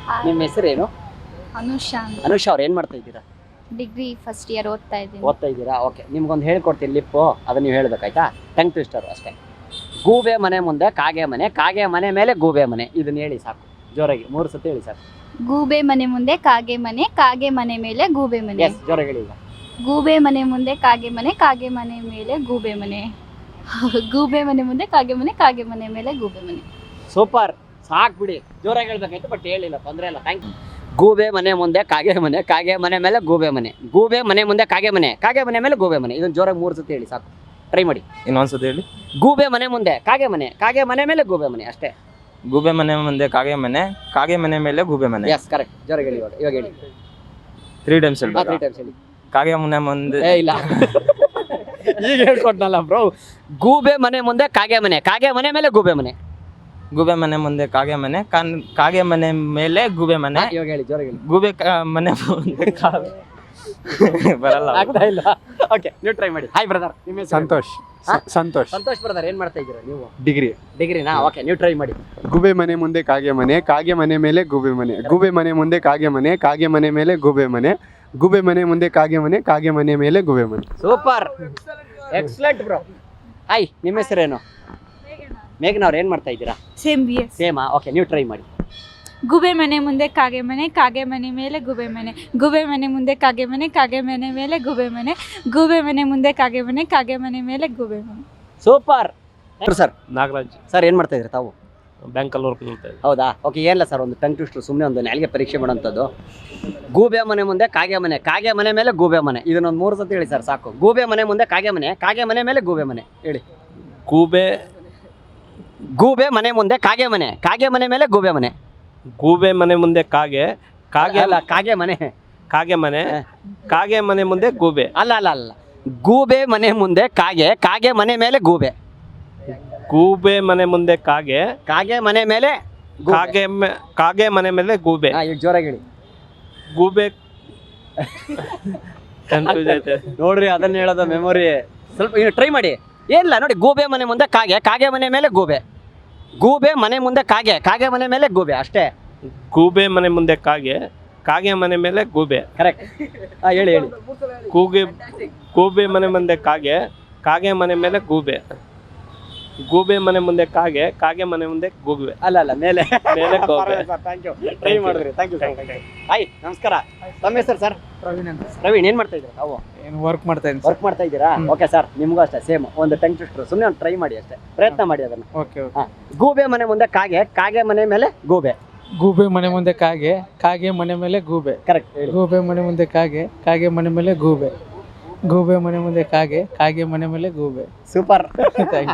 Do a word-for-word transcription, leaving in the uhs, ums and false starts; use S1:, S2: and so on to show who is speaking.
S1: ನಿಮ್ಮ ಹೆಸರೇನು?
S2: ಅನುಷಾ ಅಂತ.
S1: ಅನುಷಾ ಅವ್ರು ಏನು ಮಾಡ್ತಾ ಇದ್ದೀರಾ?
S2: ಡಿಗ್ರಿ ಫಸ್ಟ್ ಇಯರ್ ಓದ್ತಾ ಇದ್ದೀನಿ.
S1: ಓದ್ತಾ ಇದ್ದೀರಾ? ಓಕೆ, ನಿಮ್ಗೊಂದು ಹೇಳ್ಕೊಡ್ತೀನಿ ಲಿಪ್ಪು, ಅದನ್ನ ನೀವು ಹೇಳ್ಬೇಕಾಯ್ತಾ? ಟಂಗ್ ಟ್ವಿಸ್ಟರು ಅಷ್ಟೇ. ಗೂಬೆ ಮನೆ ಮುಂದೆ ಕಾಗೆ ಮನೆ, ಕಾಗೆ ಮನೆ ಮೇಲೆ ಗೂಬೆ ಮನೆ. ಇದನ್ನ ಹೇಳಿ ಸಾಕು, ಜೋರಾಗಿ ಮೂರು ಸತಿ ಹೇಳಿ ಸಾಕು.
S2: ಗೂಬೆ ಮನೆ ಮುಂದೆ ಕಾಗೆ ಮನೆ, ಕಾಗೆ ಮನೆ ಮೇಲೆ ಗೂಬೆ ಮನೆ.
S1: ಎಸ್, ಜೋರಾಗಿ ಹೇಳಿ ಈಗ.
S2: ಗೂಬೆ ಮನೆ ಮುಂದೆ ಕಾಗೆ ಮನೆ, ಕಾಗೆ ಮನೆ ಮೇಲೆ ಗೂಬೆ ಮನೆ. ಗೂಬೆ ಮನೆ ಮುಂದೆ ಕಾಗೆ ಮನೆ, ಕಾಗೆ ಮನೆ ಮೇಲೆ ಗೂಬೆ ಮನೆ.
S1: ಸೂಪರ್, ಸಾಕು ಬಿಡಿ. ಜೋರಾಗಿ ಹೇಳ್ಬೇಕಾಯ್ತು, ಬಟ್ ಹೇಳಿಲ್ಲ, ತೊಂದರೆ ಇಲ್ಲ, ಥ್ಯಾಂಕ್ ಯು. ಗೂಬೆ ಮನೆ ಮುಂದೆ ಕಾಗೆ ಮನೆ, ಕಾಗೆ ಮನೆ ಮೇಲೆ ಗೂಬೆ ಮನೆ. ಗೂಬೆ ಮನೆ ಮುಂದೆ ಕಾಗೆ ಮನೆ, ಕಾಗೆ ಮನೆ ಮೇಲೆ ಗೂಬೆ ಮನೆ. ಇದನ್ನ ಜೋರಾಗಿ ಮೂರು ಸತಿ ಹೇಳಿ ಸಾಕು. ಟ್ರೈ ಮಾಡಿ
S3: ಇನ್ನೊಂದ್ಸತಿ ಹೇಳಿ.
S1: ಗೂಬೆ ಮನೆ ಮುಂದೆ ಕಾಗೆ ಮನೆ, ಕಾಗೆ ಮನೆ ಮೇಲೆ ಗೂಬೆ ಮನೆ, ಅಷ್ಟೇ.
S3: ಗೂಬೆ ಮನೆ ಮುಂದೆ ಕಾಗೆ ಮನೆ, ಕಾಗೆ ಮನೆ ಮೇಲೆ ಗೂಬೆ ಮನೆ.
S1: Yes, correct. ಜೋರಾಗಿ ಹೇಳಿ ಇವಾಗ. ಇವಾಗ ಹೇಳಿ
S3: ತ್ರೀ ಟೈಮ್ಸ್
S1: ತ್ರೀ
S3: ಹೇಳಿ.
S1: ಟೈಮ್ಸ್ ಹೇಳಿ.
S3: ಕಾಗೆ ಮನೆ ಮುಂದೆ
S1: ಏ ಇಲ್ಲ, ಈಗ ಹೇಳ್ಕೊಟ್ನಲ್ಲ ಬ್ರೋ. ಗೂಬೆ ಮನೆ ಮುಂದೆ ಕಾಗೆ ಮನೆ, ಕಾಗೆ ಮನೆ ಮೇಲೆ ಗೂಬೆ ಮನೆ.
S3: ಗೂಬೆ ಮನೆ ಮುಂದೆ ಕಾಗೆ ಮನೆ, ಕಾನ್- ಕಾಗೆ ಮನೆ ಮೇಲೆ ಗೂಬೆ ಮನೆ.
S1: ಇವಾಗ ಹೇಳಿ, ಜೋರಾಗಿ ಹೇಳಿ.
S3: ಗೂಬೆ ಕಾ- ಮನೆ ಮುಂದೆ ಕಾಗೆ ಬರಲ್ಲ.
S1: ಆಗ್ತಾ ಇಲ್ಲ. ಓಕೆ, ನೀವು ಟ್ರೈ ಮಾಡಿ. ಹಾಯ್ ಬ್ರದರ್, ನಿಮ್ಮ ಹೆಸರು?
S4: ಸಂತೋಷ್.
S1: ಹಾ?
S4: ಸಂತೋಷ್
S1: ಸಂತೋಷ್ ಬ್ರದರ್, ಏನ್ ಮಾಡ್ತಾ ಇದ್ದೀರಾ ನೀವು?
S4: ಡಿಗ್ರಿ.
S1: ಡಿಗ್ರಿನಾ? ಓಕೆ, ನೀವು ಟ್ರೈ ಮಾಡಿ.
S4: ಗೂಬೆ ಮನೆ ಮುಂದೆ ಕಾಗೆ ಮನೆ, ಕಾಗೆ ಮನೆ ಮೇಲೆ ಗೂಬೆ ಮನೆ. ಗೂಬೆ ಮನೆ ಮುಂದೆ ಕಾಗೆ ಮನೆ, ಕಾಗೆ ಮನೆ ಮೇಲೆ ಗೂಬೆ ಮನೆ. ಗೂಬೆ ಮನೆ ಮುಂದೆ ಕಾಗೆ ಮನೆ, ಕಾಗೆ ಮನೆ ಮೇಲೆ ಗೂಬೆ ಮನೆ.
S1: Super, excellent bro. ಹಾಯ್, ನಿಮ್ಮ ಹೆಸರೇನು? ಮೇಘನಾ ಅವ್ರು, ಏನ್ ಮಾಡ್ತಾ ಇದ್ದೀರಾ?
S5: Same B S.
S1: ಸೇಮಾ? ಓಕೆ, ನೀವು ಟ್ರೈ ಮಾಡಿ.
S5: ಗುಬೆ ಮನೆ ಮುಂದೆ ಕಾಗೆ ಮನೆ, ಕಾಗೆ ಮನೆ ಮೇಲೆ ಗುಬೆ ಮನೆ. ಗುಬೆ ಮನೆ ಮುಂದೆ ಕಾಗೆ ಮನೆ, ಕಾಗೆ ಮನೆ ಮೇಲೆ ಗುಬೆ ಮನೆ. ಗುಬೆ ಮನೆ ಮುಂದೆ ಕಾಗೆ ಮನೆ, ಕಾಗೆ ಮನೆ ಮೇಲೆ ಗುಬೆ ಮನೆ.
S1: Super sir.
S6: ನಾಗರಾಜ್,
S1: ಸರ್, ಏನ್ ಮಾಡ್ತಾ ಇದ್ದೀರಾ ತಾವು?
S6: ಬ್ಯಾಂಕಲ್ಲಿ ವರ್ಕ್ ಮಾಡ್ತಾ ಇದ್ದೆ.
S1: ಹೌದಾ? ಓಕೆ, ಏನಿಲ್ಲ ಸರ್, ಒಂದು ಟಂಗ್ ಟ್ವಿಸ್ಟರ್, ಸುಮ್ಮನೆ ಒಂದು ನಾಲ್ಗೆ ಪರೀಕ್ಷೆ ಮಾಡೋಂಥದ್ದು. ಗೂಬೆ ಮನೆ ಮುಂದೆ ಕಾಗೆ ಮನೆ, ಕಾಗೆ ಮನೆ ಮೇಲೆ ಗೂಬೆ ಮನೆ. ಇದನ್ನೊಂದು ಮೂರು ಸತಿ ಹೇಳಿ ಸರ್ ಸಾಕು. ಗೂಬೆ ಮನೆ ಮುಂದೆ ಕಾಗೆ ಮನೆ, ಕಾಗೆ ಮನೆ ಮೇಲೆ ಗೂಬೆ ಮನೆ. ಹೇಳಿ.
S6: ಗೂಬೆ
S1: ಗೂಬೆ ಮನೆ ಮುಂದೆ ಕಾಗೆ ಮನೆ, ಕಾಗೆ ಮನೆ ಮೇಲೆ ಗೂಬೆ ಮನೆ.
S6: ಗೂಬೆ ಮನೆ ಮುಂದೆ ಕಾಗೆ, ಕಾಗೆ
S1: ಅಲ್ಲ, ಕಾಗೆ ಮನೆ.
S6: ಕಾಗೆ ಮನೆ, ಕಾಗೆ ಮನೆ ಮುಂದೆ ಗೂಬೆ.
S1: ಅಲ್ಲ ಅಲ್ಲ ಅಲ್ಲ, ಗೂಬೆ ಮನೆ ಮುಂದೆ ಕಾಗೆ, ಕಾಗೆ ಮನೆ ಮೇಲೆ ಗೂಬೆ.
S6: ಗೂಬೆ ಮನೆ ಮುಂದೆ ಕಾಗೆ,
S1: ಕಾಗೆ ಮನೆ ಮೇಲೆ ಗೂಬೆ.
S6: ಕಾಗೆ ಮೆ- ಕಾಗೆ ಮನೆ ಮೇಲೆ ಗೂಬೆ.
S1: ಹಾ, ಈಗ ಜೋರಾಗಿ ಹೇಳಿ.
S6: ಗೂಬೆ ಕನ್ಫ್ಯೂಸ್ ಐತೆ.
S1: ನೋಡ್ರಿ, ಅದನ್ನ ಹೇಳೋದು ಮೆಮೊರಿ ಸ್ವಲ್ಪ ಟ್ರೈ ಮಾಡಿ. ಏನಿಲ್ಲ ನೋಡಿ, ಗೂಬೆ ಮನೆ ಮುಂದೆ ಕಾಗೆ, ಕಾಗೆ ಮನೆ ಮೇಲೆ ಗೂಬೆ. ಗೂಬೆ ಮನೆ ಮುಂದೆ ಕಾಗೆ, ಕಾಗೆ ಮನೆ ಮೇಲೆ ಗೂಬೆ, ಅಷ್ಟೇ.
S6: ಗೂಬೆ ಮನೆ ಮುಂದೆ ಕಾಗೆ, ಕಾಗೆ ಮನೆ ಮೇಲೆ ಗೂಬೆ.
S1: ಕರೆಕ್ಟ್. ಹಾ, ಹೇಳಿ ಹೇಳಿ.
S6: ಕೂಗೆ ಗೂಬೆ ಮನೆ ಮುಂದೆ ಕಾಗೆ, ಕಾಗೆ ಮನೆ ಮೇಲೆ ಗೂಬೆ. ಗೂಬೆ ಮನೆ ಮುಂದೆ ಕಾಗೆ, ಕಾಗೆ ಮನೆ ಮುಂದೆ ಗೂಬೆ.
S1: ಅಲ್ಲ ಅಲ್ಲ, ಮೇಲೆ
S6: ಮೇಲೆ ಗೂಬೆ.
S1: ಥ್ಯಾಂಕ್ ಯು, ಟ್ರೈ ಮಾಡಿದ್ರಿ. Thank you. ಹಾಯ್, ನಮಸ್ಕಾರ. ತಮ್ಮ ಹೆಸರು ಸರ್?
S7: ಪ್ರವೀಣ್ ಅಂತ.
S1: ಪ್ರವೀಣ್, ಏನ್ ಮಾಡ್ತಾ ಇದ್ದೀರಾ ತಾವು?
S7: ಏನು ವರ್ಕ್ ಮಾಡ್ತಾ ಇದ್ದೀನಿ.
S1: ವರ್ಕ್ ಮಾಡ್ತಾ ಇದ್ದೀರಾ? ಓಕೆ ಸರ್, ನಿಮಗೂ ಅಷ್ಟೇ ಸೇಮ್ ಒಂದು ಟಂಗ್ ಟ್ವಿಸ್ಟರ್. ಸುಮ್ಮನೆ ಒಂದು ಟ್ರೈ ಮಾಡಿ ಅಷ್ಟೇ, ಪ್ರಯತ್ನ ಮಾಡಿ ಅದನ್ನ.
S7: Okay okay.
S1: ಹಾ, ಗೂಬೆ ಮನೆ ಮುಂದೆ ಕಾಗೆ, ಕಾಗೆ ಮನೆ ಮೇಲೆ ಗೂಬೆ.
S7: ಗೂಬೆ ಮನೆ ಮುಂದೆ ಕಾಗೆ, ಕಾಗೆ ಮನೆ ಮೇಲೆ ಗೂಬೆ.
S1: ಕರೆಕ್ಟ್, ಹೇಳಿ.
S7: ಗೂಬೆ ಮನೆ ಮುಂದೆ ಕಾಗೆ, ಕಾಗೆ ಮನೆ ಮೇಲೆ ಗೂಬೆ. ಗೂಬೆ ಮನೆ ಮುಂದೆ ಕಾಗೆ, ಕಾಗೆ ಮನೆ ಮೇಲೆ ಗೂಬೆ.
S1: ಸೂಪರ್.
S7: Thank you.